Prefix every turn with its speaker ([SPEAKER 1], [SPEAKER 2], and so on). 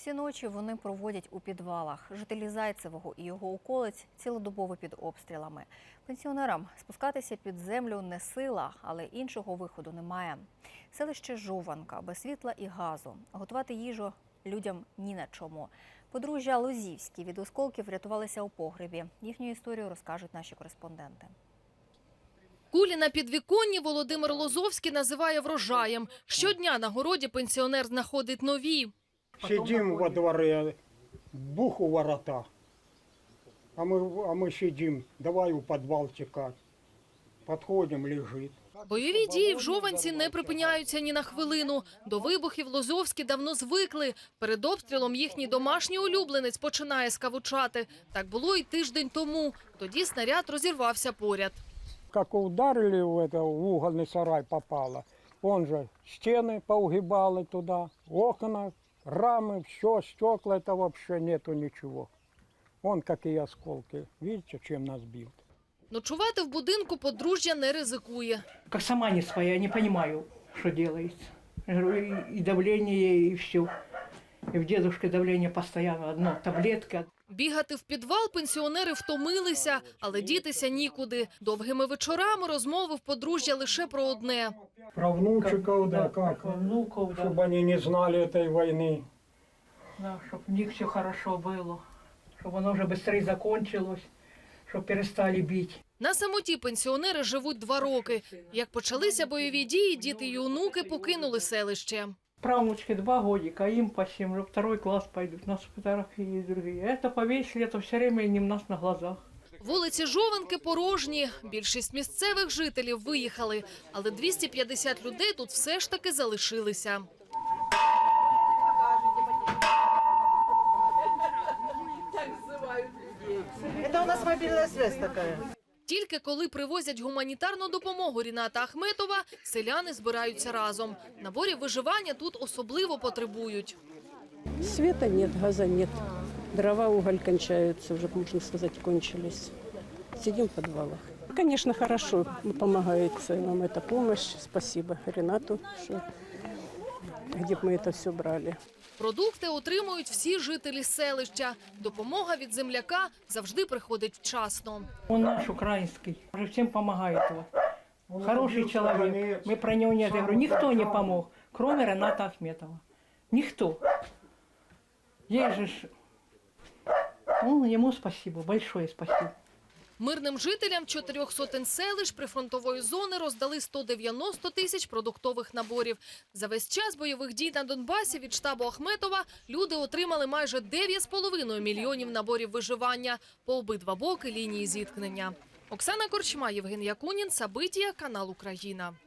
[SPEAKER 1] Всі ночі вони проводять у підвалах. Жителі Зайцевого і його околиць цілодобово під обстрілами. Пенсіонерам спускатися під землю не сила, але іншого виходу немає. Селище Жованка без світла і газу. Готувати їжу людям ні на чому. Подружжя Лозівські від осколків врятувалися у погребі. Їхню історію розкажуть наші кореспонденти.
[SPEAKER 2] Кулі на підвіконні Володимир Лозовський називає врожаєм. Щодня на городі пенсіонер знаходить нові.
[SPEAKER 3] Сидим во дворе, бух у ворота, а мы сидим, давай у подвал текать. Подходим, лежит.
[SPEAKER 2] Бойові дії в Жованці не припиняються ні на хвилину. До вибухів Лозовські давно звикли. Перед обстрілом їхній домашній улюбленець починає скавучати. Так було і тиждень тому. Тоді снаряд розірвався поряд.
[SPEAKER 3] Как ударили в угольный сарай попало, он же стены поугибали туда, окна, рамы, все, стекла, это вообще нету ничего. Вон какие осколки. Видите, чем нас бьют?
[SPEAKER 2] Ночувати в будинку подружжя не ризикує.
[SPEAKER 4] Как сама не своя, не понимаю, что делается. Я говорю, и давление, и все. И в дедушке давление постоянно, одна таблетка.
[SPEAKER 2] Бігати в підвал пенсіонери втомилися, але дітися нікуди. Довгими вечорами розмови в подружжя лише про одне.
[SPEAKER 3] Про внучиков, да, как?
[SPEAKER 4] Про внуков, да.
[SPEAKER 3] Чтобы они не знали этой войны.
[SPEAKER 4] Да, чтобы у них все хорошо было. Чтобы оно уже быстрее закончилось, чтобы перестали бить.
[SPEAKER 2] На самоті пенсіонери живуть 2 роки. Як почалися бойові дії, діти й онуки покинули селище.
[SPEAKER 4] Правнучке 2 годика, им по 7, уже 2 класс пойдут. У нас фотографии другие. Это повесили, это все время не у нас на глазах.
[SPEAKER 2] Вулиці Жованки порожні. Більшість місцевих жителів виїхали. Але 250 людей тут все ж таки залишилися.
[SPEAKER 5] Это у нас мобильная связь такая.
[SPEAKER 2] Тільки коли привозять гуманітарну допомогу Ріната Ахметова, селяни збираються разом. Наборів виживання тут особливо потребують.
[SPEAKER 6] Света нет, газа нет. Дрова, уголь кончаются, уже, можно сказать, кончились. Сидим в подвалах. Конечно, хорошо помогает нам эта помощь. Спасибо Ренату, что где бы мы это все брали.
[SPEAKER 2] Продукти отримують всі жителі селища. Допомога від земляка завжди приходить вчасно.
[SPEAKER 4] Он наш украинский, уже всем помогает. Вот. Хороший человек, мы про него нет. Я говорю, никто не помог, кроме Рената Ахметова. Никто. Есть же, ну, ему спасибо, большое спасибо.
[SPEAKER 2] Мирним жителям 4 сотень селищ прифронтової зони роздали 190 тисяч продуктових наборів. За весь час бойових дій на Донбасі від штабу Ахметова люди отримали майже 9,5 мільйонів наборів виживання по обидва боки лінії зіткнення. Оксана Корчма, Євген Якунін, Сабитія, канал Україна.